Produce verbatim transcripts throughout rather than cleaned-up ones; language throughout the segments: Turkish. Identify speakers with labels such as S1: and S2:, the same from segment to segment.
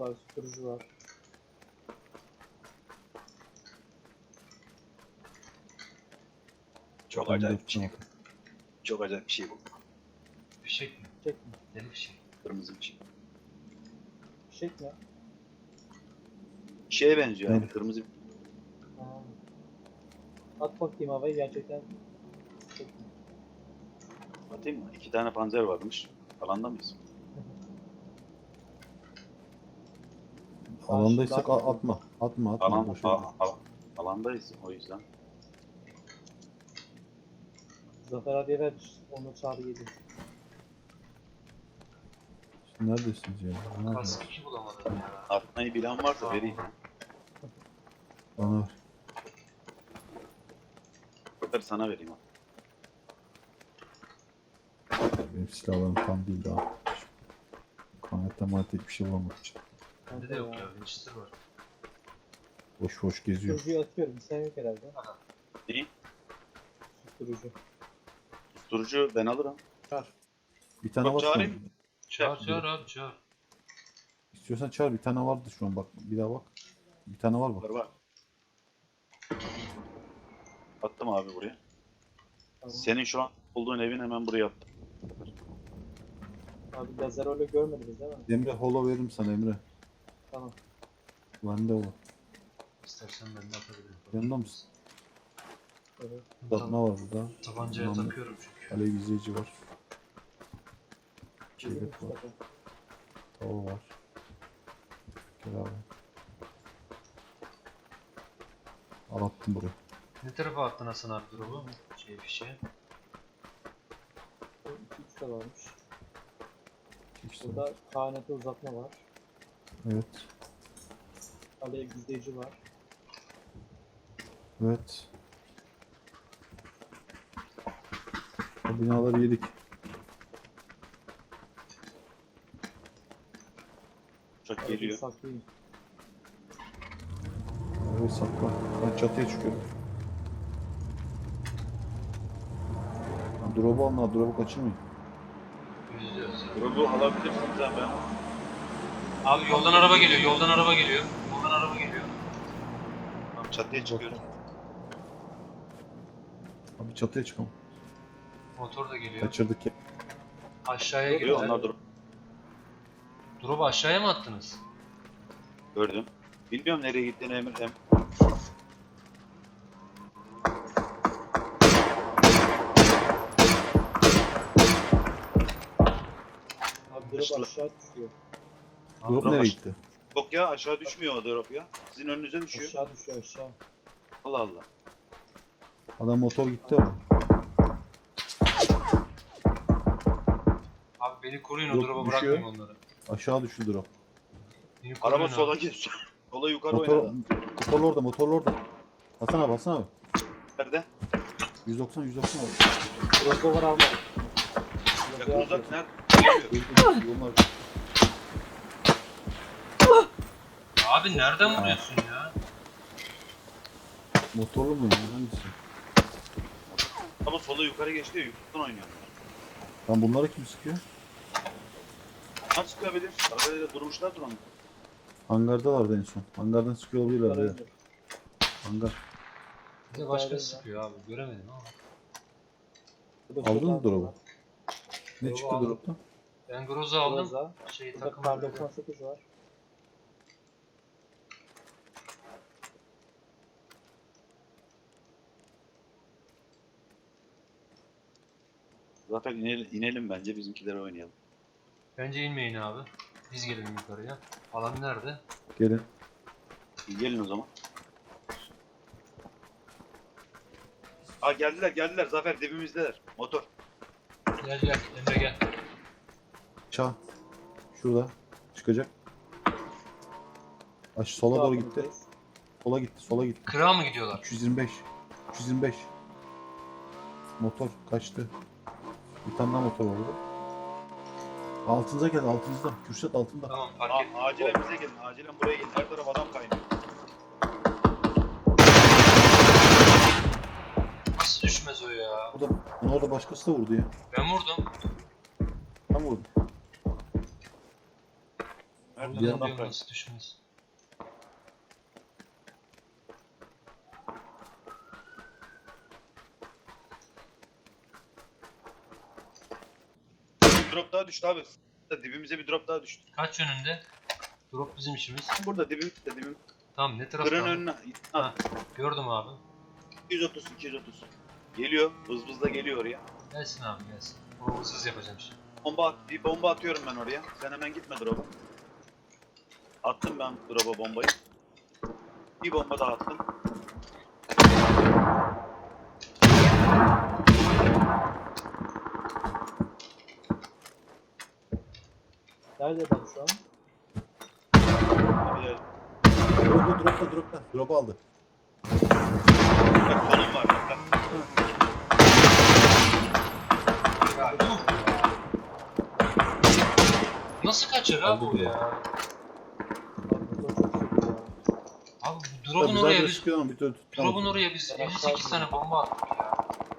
S1: var, susturucu var.
S2: Çok
S3: Ben
S2: acayip
S3: de
S2: bir şey.
S3: yaptım.
S2: Çok acayip bir şey bu.
S4: Fişek mi?
S1: Fişek mi?
S4: Deli fişek.
S2: Kırmızı bir şey.
S1: Fişek mi?
S2: Şeye benziyor
S3: Evet.
S2: yani kırmızı bir
S1: Ha. At bakayım havayı, gerçekten fişek mi?
S2: atayım mı? İki tane panzer varmış. Alanda mıyız?
S3: Alandaysak
S1: Karşı-
S3: a- atma. Atma atma.
S2: Alan,
S3: Boşa
S2: a,
S3: gidiyor.
S2: a, alandayız o yüzden.
S1: Zafer abiye ver, onu çağrı yedi.
S3: Siz neredesiniz ya? Nerede?
S4: Kask iki bulamadım ya.
S2: Atmayı bilen varsa vereyim.
S3: Bana ver.
S2: Zafer sana vereyim.
S3: Benim silahlarım tam değil daha. Kanette manette bir şey bulamamak için.
S4: Bende de yok ya. Winchester var.
S3: Boş boş geziyor.
S1: Susturucuyu atıyorum, sen yok herhalde.
S2: Neyi?
S1: Susturucu.
S2: Susturucu ben alırım.
S3: Bir tane
S2: Yok,
S3: var şu an.
S2: çağırayım.
S4: Çağır çağır abi çağır.
S3: İstiyorsan çağır, bir tane vardı şu an, bak bir daha bak. Bir tane var
S2: Var
S3: bak.
S2: var. Attım abi buraya.
S1: Tamam.
S2: Senin şu an olduğun evin hemen buraya attım.
S1: Abi lazer öyle görmediniz değil mi?
S3: Emre holo veririm sana Emre.
S1: Tamam.
S3: Bende holo.
S4: İstersen ben de atabilirim.
S3: Yanında mısın?
S1: Evet.
S3: Uzatma var burada.
S4: Tabancaya
S3: Tamam.
S4: takıyorum çünkü.
S3: Alev izleyici var.
S1: Yedi
S3: Çelik var.
S1: Mustafa.
S3: Tava var. Gel abi. Al attım buraya.
S4: Ne tarafa attın Hasan abi drop'u? Şey fişeği.
S1: iki üç de varmış.
S3: İşte
S1: Burada K N T uzatma var.
S3: evet.
S1: Alev gizleyici var.
S3: Evet. O binaları yedik.
S2: Uçak geliyor.
S1: Saklayayım.
S3: Evet sakla. Ben çatıya çıkıyorum. Ha, drop'u alın ha. Drop'u kaçırmayın.
S4: Yüzüyoruz ya.
S2: Drop'u alabilirsiniz ha ben.
S4: Abi yoldan araba geliyor. Yoldan araba geliyor. Yoldan araba geliyor.
S2: Tamam, çatıya çıkıyorum.
S3: Abi çatıya çıkalım.
S4: Motor da geliyor.
S3: Kaçırdık ya.
S4: Aşağıya
S2: Geliyor
S4: girdiler.
S2: onlar drop.
S4: Drop'u aşağıya mı attınız?
S2: Gördüm. Bilmiyorum nereye gittiğini Emir. Em
S1: Abi drop
S2: Düştü.
S1: aşağı düşüyor.
S3: Drop
S2: drop
S3: nereye
S2: aş-
S3: gitti?
S2: Yok ya aşağı düşmüyor o drop ya. Sizin önünüze düşüyor.
S1: Aşağı düşüyor aşağı.
S2: Allah Allah.
S3: Adam motor gitti ama.
S4: Abi beni koruyun o
S3: Drop
S4: drop'a
S3: düşüyor.
S4: bırakmayın onları.
S3: Aşağı düştü drop.
S4: Beni koruyun
S2: Araba
S4: abi.
S2: sola geçiyor. Sola yukarı
S3: Motor,
S2: oynadı.
S3: motorlu orada, motorlu orada. Hasan abi, Hasan abi.
S2: Nerede?
S3: yüz doksan, yüz doksan abi.
S1: Drop'u var almadım.
S2: Yakın
S1: Drop'u
S2: uzak nerede?
S3: Dur, dur, yollar.
S4: Abi nereden vuruyorsun ya?
S3: Motorlu mu ya? Hangisi?
S2: Ama sola yukarı geçti ya yukarıdan oynuyor.
S3: Lan bunları kim sıkıyor?
S2: Nasıl çıkabilir? Arabayla durmuşlar duran.
S3: Hangardalardı en son. Hangardan sıkıyor olabilirler ya. Hangar.
S4: Bir de başka sıkıyor abi. Göremedim ama.
S3: Aldın mı drop'u? Ne
S4: Drop'u
S3: çıktı
S4: aldım.
S3: drop'tan?
S4: Ben Groza aldım.
S1: Groza.
S4: Şey
S1: Burada
S4: takım
S1: kar doksan sekiz var.
S2: Zaten inelim, inelim bence bizimkilere oynayalım.
S4: Bence inmeyin abi. Biz gelelim yukarıya. Alan nerede?
S3: Gelin.
S2: İyi, gelin o zaman. Aa geldiler geldiler Zafer dibimizdeler. Motor.
S4: Gel gel Emre gel.
S3: Çağ. Şurada. Çıkacak. Aş sola doğru gitti.
S1: Altındayız.
S3: Sola gitti, sola gitti.
S4: Kırağa mı gidiyorlar?
S3: üç yüz yirmi beş. üç yüz yirmi beş. Motor kaçtı. Bir tane daha motor var orada. Altınıza gel, altınızda. Kürşat altında.
S4: Tamam fark
S2: Aa,
S4: et.
S2: acilen bize gelin. Acilen buraya gelin. Her taraf adam kaynıyor.
S4: Nasıl düşmez o ya?
S3: Orada, onu orada başkası da vurdu ya.
S4: Ben vurdum.
S3: Tam vurdu.
S2: Nerede?
S3: Bir
S4: Allah'ım
S3: adam-
S4: diyorum nasıl düşmez.
S2: Drop daha düştü abi. Dibimize bir drop daha düştü.
S4: Kaç yönünde? Drop bizim işimiz.
S2: Burada dibimizde dibim.
S4: Tamam ne tarafta
S2: Tırın
S4: abi?
S2: önüne.
S4: Ha, gördüm abi.
S2: iki yüz otuz iki yüz otuz. Geliyor. Vız vız da geliyor oraya.
S4: Gelsin abi gelsin. Onu hızsız yapacağım şimdi.
S2: Bomba at, bir bomba atıyorum ben oraya. Sen hemen gitme drop'a. Attım ben drop'a bombayı. Bir bomba daha attım.
S1: Nerede ben şu an?
S2: Bir de-
S3: Dropta dropta dropta. Drop aldı.
S2: Bak solum var. Bak.
S4: Ya, yuh! Nasıl kaçır abi
S3: Aldı
S4: bu ya?
S1: Abi motor çok sıkıyor ya.
S4: Abi bu
S3: Tabii
S4: drop'un
S3: zaten
S4: oraya biz
S3: sıkıyor ama bir türlü tutamadı.
S4: drop'un oraya biz elli sekiz tane bomba attık ya.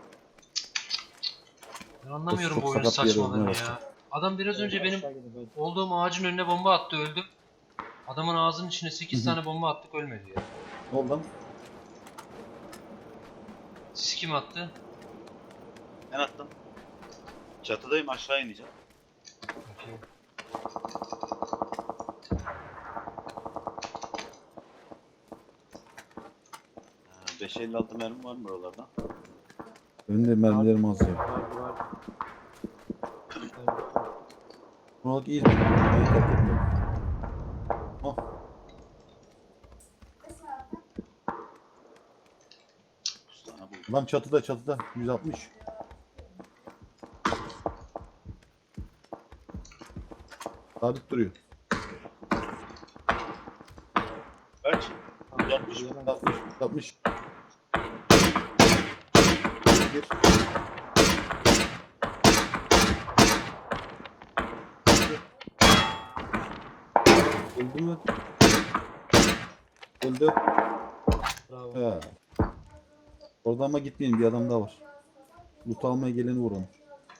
S4: Ben anlamıyorum
S3: Çok
S4: bu oyunun
S3: sakat bir yer
S4: saçmalığını
S3: olmaya
S4: ya. Adam biraz önce benim
S1: Aşağı gidin, böyle.
S4: olduğum ağacın önüne bomba attı öldüm. Adamın ağzının içine sekiz
S3: Hı hı.
S4: tane bomba attık ölmedi ya.
S3: Ne oldu lan?
S4: Siz kim attı?
S2: Ben attım. Çatıdayım, aşağı ineceğim.
S4: Okey.
S2: Ha, beş elli altı mermi var mı buralarda?
S3: Önünde mermilerim az ya.
S1: Vardı vardı. Evet.
S3: Buralık iyi. İyi fark etmiyor. Oh.
S2: dokuz tane buldum.
S3: Lan çatıda çatıda. yüz altmış. Sabit duruyor.
S2: Kaç?
S1: Tamam,
S2: yüz altmış.
S1: yiyemem.
S3: altmış. altmış. Bir. Öldü mü? Öldü.
S1: Bravo.
S3: He. Oradan ama gitmeyin, bir adam daha var. Loot almaya geleni vur onu.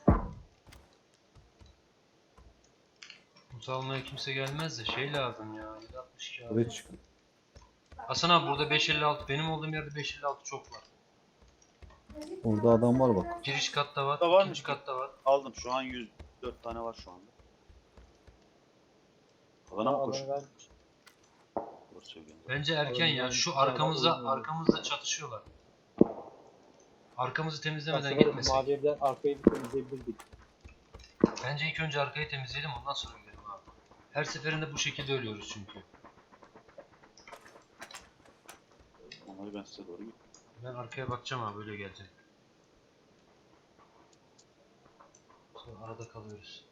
S4: Mut almaya kimse gelmez de şey lazım ya. yüz altmış iki abi.
S3: Oraya çık.
S4: Hasan abi burada beş elli altı. Benim olduğum yerde beş elli altı çok var.
S3: Orada adam var bak.
S4: Giriş katta var.
S2: Da var mı?
S4: ikinci katta var.
S2: Aldım, şu an yüz dört tane var şu anda. Alana mı
S1: Alanı
S2: koşuyor?
S1: vermiş.
S2: Doğru söylüyorsun.
S4: Bence erken ya. Şu
S1: Alanı
S4: arkamızda
S1: vermiş.
S4: arkamızda çatışıyorlar. Arkamızı temizlemeden
S1: Aslında
S4: gitmesek.
S1: mavi evden arkayı bir temizleyebilirdik.
S4: Bence ilk önce arkayı temizleyelim ondan sonra gidelim abi. Her seferinde bu şekilde ölüyoruz çünkü.
S2: Onları ben size doğru gideyim.
S4: Ben arkaya bakacağım abi öyle gelecek. Sonra arada kalıyoruz.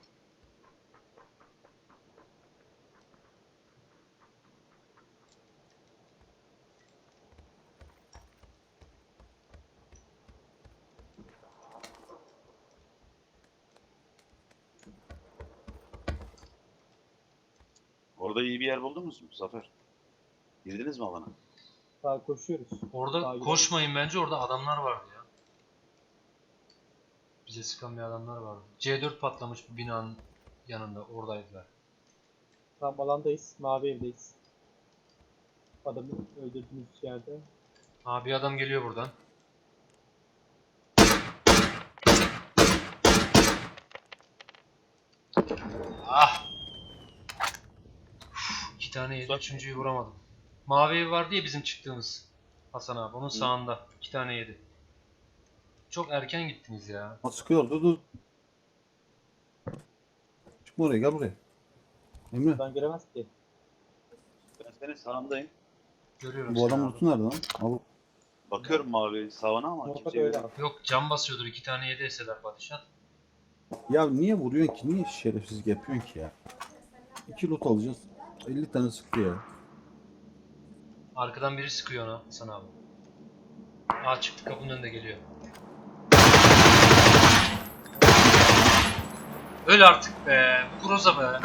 S2: Orada iyi bir yer buldunuz mu Zafer? Girdiniz mi alana?
S1: Daha koşuyoruz.
S4: Orada
S1: Daha gidelim.
S4: koşmayın bence orada adamlar vardı ya. Bize sıkan bir adamlar vardı. C dört patlamış bu binanın yanında oradaydılar.
S1: Tam alandayız. Mavi evdeyiz. Adamı öldürdüğümüz yerde.
S4: Aa bir adam geliyor buradan. Ah! Uf, İki tane yedi,
S2: Uzak.
S4: üçüncüyü vuramadım. Mavi ev vardı ya bizim çıktığımız. Hasan abi onun sağında. İki tane yedi. Çok erken gittiniz ya.
S3: Ha, sıkıyor, dur dur. Çıkma oraya, gel buraya. Emre,
S1: Ben göremez ki.
S2: Ben senin sağındayım.
S4: Görüyorum
S3: bu
S4: seni
S3: adam
S4: abi.
S3: lootu nerede lan? Al.
S2: Bakıyorum mavi sağına ama
S1: Muhakkak
S2: kimse
S1: öyle
S2: göremiyor.
S1: abi.
S4: Yok cam basıyordur iki tane yedi eseler padişah.
S3: Ya niye vuruyorsun ki? Niye şerefsizlik yapıyorsun ki ya? İki loot alacağız. elli tane sıktı ya.
S4: Arkadan biri sıkıyor ona Hasan abi. Aa çıktı kapının önünde geliyor. Öl artık be. Bu Groza be.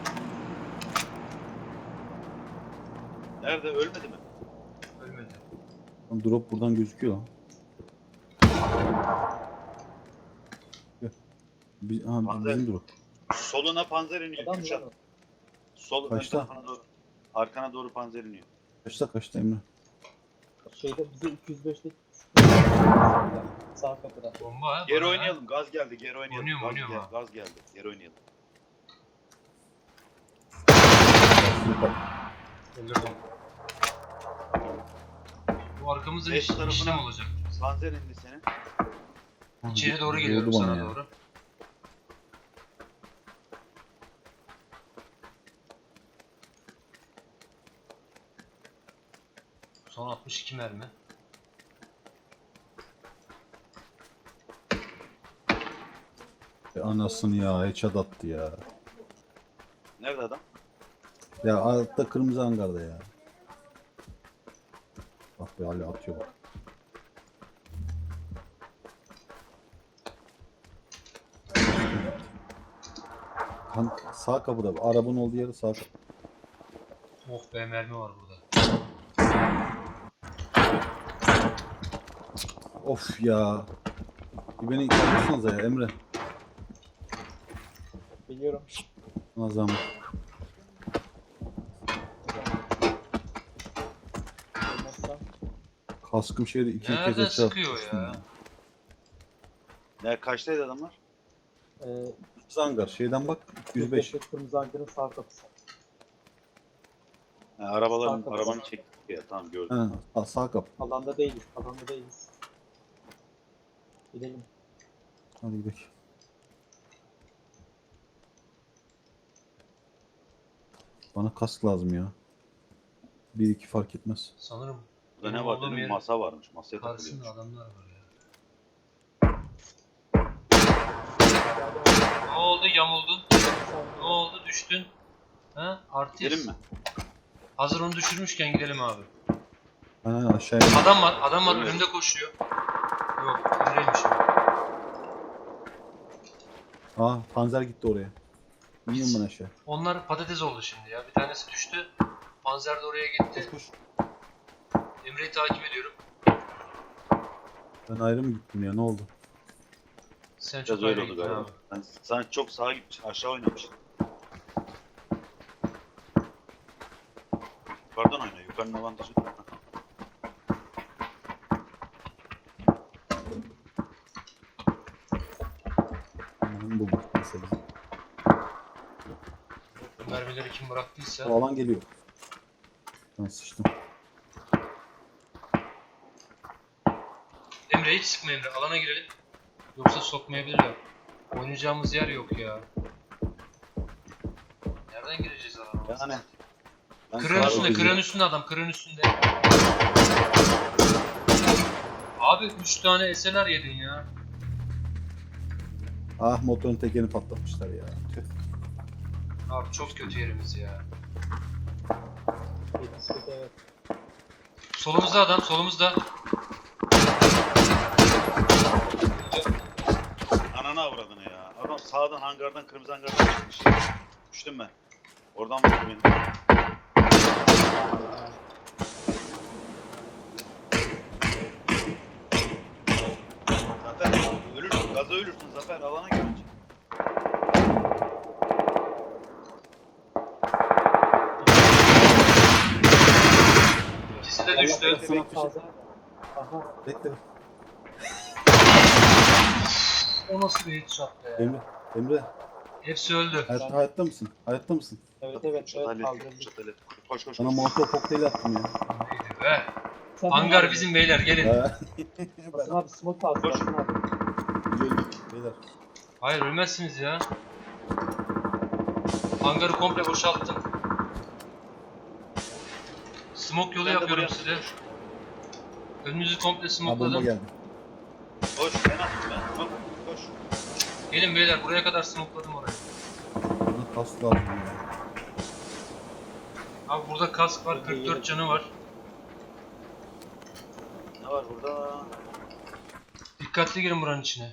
S2: Nerede? Ölmedi mi?
S4: Ölmedi.
S3: Lan drop buradan gözüküyor lan. Gel. Bi- ha,
S2: Panzer.
S3: bizim drop.
S2: Soluna panzer iniyor.
S1: Adam mı
S2: Kürşat.
S1: lan o?
S2: Sol ön
S3: Kaçta?
S2: tarafına doğru. Arkana doğru panzer iniyor.
S3: Kaçta kaçta Emre?
S1: Şeyde bize iki yüz beşte sağ kapıda.
S4: Bomba ha.
S2: Geri
S4: bana ha.
S2: oynayalım. Gaz geldi. Geri oynayalım.
S4: Oynuyorum,
S2: gaz,
S4: oynuyorum
S2: gel-
S4: ha.
S2: gaz geldi. Geri oynayalım.
S4: Öldürdüm. Bu arkamızda
S2: Beş
S4: iş,
S2: tarafına-
S4: işlem olacak.
S2: Panzer indi senin.
S4: İçeri doğru
S3: Vurdu
S4: geliyorum
S3: bana
S4: sana
S3: ya.
S4: doğru. Son altmış iki mermi.
S3: E, Anasını ya headshot attı ya.
S2: Nerede adam?
S3: Ya altta kırmızı hangarda ya. Bak be hala atıyor bak. Han, sağ kapıda. Arabanın olduğu yeri sağ kapı.
S4: Oh be, mermi var burada.
S3: Of ya. Bir beni kaldırsanıza ya Emre.
S1: Biliyorum.
S3: Nazam.
S1: Olmazsa
S3: Kaskım şeyde iki kez
S4: Nereden
S3: headshot
S4: sıkıyor
S3: atmıştım
S4: ya?
S2: Ne kaçtaydı adamlar?
S1: e,
S3: Kırmızı hangar şeyden bak yüz beş.
S1: Kırmızı Ankara'nın sağ kapısı.
S2: Ha, arabaların
S1: Sağ kapı.
S2: arabanı çektik ya. Tamam gördüm.
S3: Ha, sağ, sağ kapı.
S1: Alanda değiliz. Alanda değiliz. Gidelim.
S3: Hadi gidelim. Bana kask lazım ya. Bir iki fark etmez.
S4: Sanırım
S2: Burada
S4: benim
S2: ne var
S4: olduğum
S2: dedim,
S4: yerin
S2: masa varmış. Masaya
S4: karşısında
S2: takılıyormuş.
S4: adamlar var ya. Ne oldu, yamuldun? Ne oldu, düştün? Ha? Artist.
S2: Gidelim mi?
S4: Hazır onu düşürmüşken gidelim abi.
S3: Ha, aşağıya.
S4: Adam var, adam var
S2: Evet.
S4: önümde koşuyor. Yok, Emre'ymiş o.
S3: Aa panzer gitti oraya. İniyorum ben aşağı.
S4: Onlar patates oldu şimdi ya. Bir tanesi düştü. Panzer de oraya gitti.
S3: Koş koş.
S4: Emre'yi takip ediyorum.
S3: Ben ayrı mı gittim ya ne oldu?
S4: Sen
S2: Biraz
S4: çok
S2: öyle
S4: ayrı
S2: oldu
S4: gittin
S2: galiba.
S4: abi.
S2: Sen, sen çok sağa gitmişsin. Aşağı oynamışsın. Yukarıdan oyna. Yukarının avantajı.
S3: Aman bulduk mesela.
S4: Bu mermileri kim bıraktıysa.
S3: O alan geliyor. Ben sıçtım.
S4: Emre hiç sıkma Emre. Alana girelim. Yoksa sokmayabilirler. Oynayacağımız yer yok ya. Nereden gireceğiz alana?
S2: Yani. Ben
S4: Kırın
S2: sağa
S4: üstünde,
S2: doğru
S4: kırın üstünde adam, kırın üstünde. Abi üç tane S L R yedin ya.
S3: Ah motorun tekerini patlatmışlar ya. Tüh.
S4: Abi çok kötü yerimiz ya.
S1: Yetiştik evet.
S4: Solumuzda adam, solumuzda.
S2: Ananı avradını ya. Adam sağdan hangardan, kırmızı hangardan çıkmış. Düştüm ben. Oradan vurdu beni. Zafer ölürsün, gaza ölürsün Zafer. Alana gelince.
S4: İkisi de düştü.
S3: Sana bir şey-
S1: Taze. Aha.
S3: Bekle.
S4: O nasıl bir headshot be?
S3: Emre. Emre.
S4: Hepsi öldü.
S3: Hayatta, hayatta mısın? Hayatta mısın?
S1: Evet evet.
S2: Kürşat
S1: evet
S2: hallet,
S1: kaldırdım.
S2: Kürşat hallet. Koş koş
S3: Sana
S2: koş.
S3: molotov kokteyli attım ya.
S4: Neydi be?
S1: Sen
S4: Hangar
S1: abi.
S4: bizim beyler, gelin.
S3: Ha.
S1: Basın abi smoke alsın.
S2: Koş.
S1: Basın abi.
S3: Beyler.
S4: Hayır, ölmezsiniz ya. Hangarı komple boşalttım. Smoke yolu
S2: Ben de
S4: yapıyorum
S2: buraya-
S4: size. Önünüzü komple
S3: Ha bomba
S4: smokeladım.
S3: geldi.
S2: Koş. Ben attım ben. Koş. Koş.
S4: Gelin beyler, buraya kadar smokeladım orayı.
S3: Bana kask lazım ya.
S4: Abi burada kask var, kırk dört canı var.
S2: Ne var burada?
S4: Dikkatli girin buranın içine.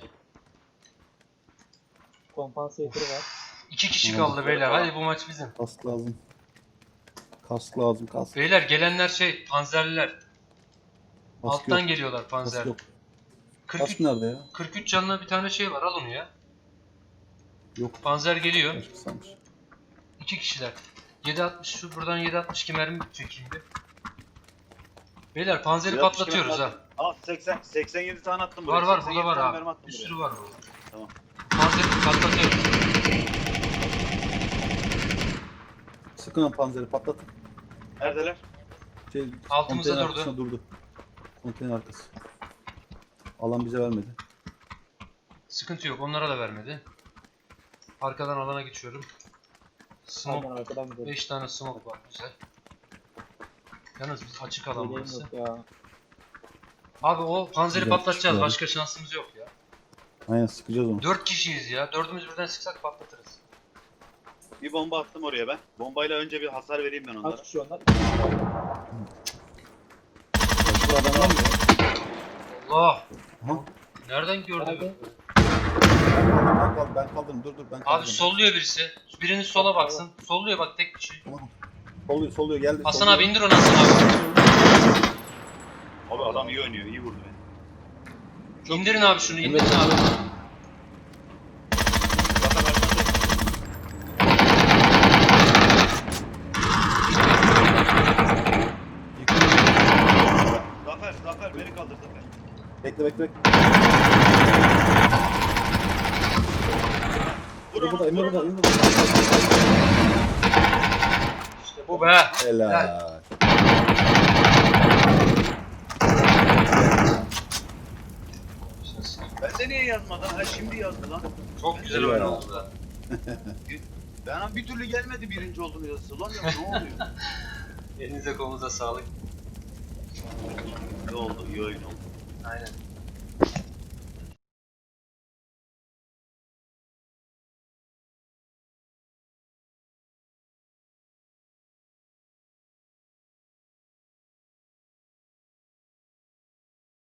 S1: Kompansatörü var.
S4: İki kişi
S3: Tamam.
S4: kaldı beyler, hadi bu maç bizim.
S3: Kask lazım. Kask lazım kask.
S4: Beyler gelenler şey, panzerliler.
S3: Kask
S4: Alttan
S3: yok.
S4: geliyorlar
S3: Kask
S4: panzer.
S3: yok.
S4: kırk
S3: Kask
S4: üç,
S3: nerede ya?
S4: kırk üç canlı bir tane şey var, al onu ya.
S3: Yok.
S4: Panzer geliyor.
S3: Başka sanmış.
S4: İki kişiler. yedi altmış şu buradan yedi altmış iki mermi çekeyim bir. Beyler panzeri
S2: yedi altmış iki
S4: patlatıyoruz
S2: mermi
S4: ha.
S2: Al seksen, seksen yedi tane attım buraya.
S4: Var var
S2: seksen
S4: burada
S2: yedi
S4: var
S2: tane
S4: abi.
S2: mermi attım
S4: Bir
S2: buraya.
S4: sürü var burada.
S2: Tamam.
S4: Panzeri patlatıyoruz.
S3: Sıkın lan panzeri patlatın.
S2: Neredeler?
S3: Şey,
S4: Altımızda
S3: konteyner
S4: durdu.
S3: arkasına durdu. Konteyner arkası. Alan bize vermedi.
S4: Sıkıntı yok onlara da vermedi. Arkadan alana geçiyorum. Smoke
S1: Aynen arkadan gidelim.
S4: beş tane smoke var güzel. Yalnız biz açık alan
S1: Yeleğim
S4: burası.
S1: yok ya.
S4: Abi o panzeri
S3: Güzel,
S4: patlatacağız.
S3: çıkıyor.
S4: Başka şansımız yok ya.
S3: Aynen sıkacağız onu.
S4: dört kişiyiz ya. Dördümüz birden sıksak patlatırız.
S2: Bir bomba attım oraya ben. Bombayla önce bir hasar vereyim ben onlara.
S1: Kaç kişi onlar? İki kişi var.
S3: Başka adamlar mı?
S4: Allah!
S3: Aha.
S4: Nereden gördü?
S1: Nerede?
S3: Ben kaldım, ben kaldım. Dur dur ben kaldım.
S4: Abi solluyor birisi. Biriniz sola baksın. Solluyor bak tek kişi.
S3: Tamam. Soluyor, soluyor geldi.
S4: Hasan
S3: soluyor.
S4: abi indir onu Hasan abi.
S2: Abi adam iyi oynuyor, iyi vurdu beni. Çok
S4: İndirin
S2: iyi.
S4: abi şunu indirin abi.
S2: Zaten arkadaşlar- Zafer, Zafer beni kaldır Zafer.
S3: Bekle bekle bekle.
S2: Vur
S3: Emre
S2: onu,
S3: burada, Emre
S2: vur
S3: burada,
S2: onu.
S3: Emre burada.
S4: İşte bu be.
S3: Helal.
S2: Bende niye yazmadan? Ha şimdi yazdı lan.
S4: Çok güzel
S3: Helal.
S4: oyun oldu da.
S2: Ben bir türlü gelmedi birinci oldum yazısı. Lan ya ne oluyor?
S4: Elinize kolunuza sağlık.
S2: Ne oldu? İyi oyun oldu.
S4: Aynen.